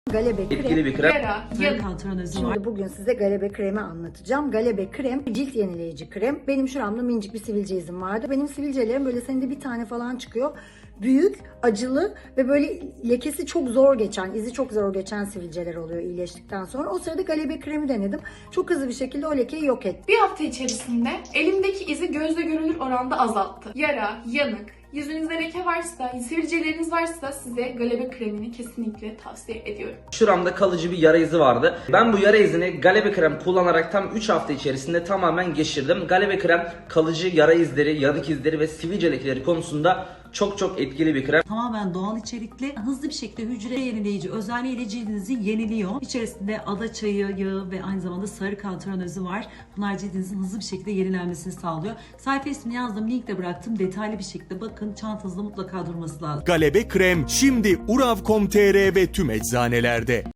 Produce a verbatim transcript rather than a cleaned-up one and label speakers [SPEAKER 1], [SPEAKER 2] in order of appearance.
[SPEAKER 1] Galebe krem.
[SPEAKER 2] Etkili bir krem.
[SPEAKER 3] Yara,
[SPEAKER 4] Sarı
[SPEAKER 3] yanık.
[SPEAKER 4] antrenözü var.
[SPEAKER 1] Şimdi bugün size Galebe kremi anlatacağım. Galebe krem cilt yenileyici krem. Benim şuramda minicik bir sivilce izim vardı. Benim sivilcelerim böyle senede bir tane falan çıkıyor. Büyük, acılı ve böyle lekesi çok zor geçen, izi çok zor geçen sivilceler oluyor iyileştikten sonra. O sırada Galebe kremi denedim. Çok hızlı bir şekilde o lekeyi yok etti.
[SPEAKER 3] Bir hafta içerisinde elimdeki izi gözle görülür oranda azalttı. Yara, yanık, yüzünüzde leke varsa, sivilceleriniz varsa size Galebe kremini kesinlikle tavsiye ediyorum.
[SPEAKER 2] Şuramda kalıcı bir yara izi vardı. Ben bu yara izini Galebe krem kullanarak tam üç hafta içerisinde tamamen geçirdim. Galebe krem kalıcı yara izleri, yanık izleri ve sivilce lekeleri konusunda çok çok etkili bir krem.
[SPEAKER 4] Tamamen doğal içerikli, hızlı bir şekilde hücre yenileyici özelliğiyle cildinizi yeniliyor. İçerisinde ada çayı yağı ve aynı zamanda sarı antrenözü var. Bunlar cildinizin hızlı bir şekilde yenilenmesini sağlıyor. Sayfa ismini yazdım, linkte bıraktım. Detaylı bir şekilde bakın, çantanızda mutlaka durması lazım.
[SPEAKER 5] Galebe krem şimdi urav nokta com nokta tr ve tüm eczanelerde.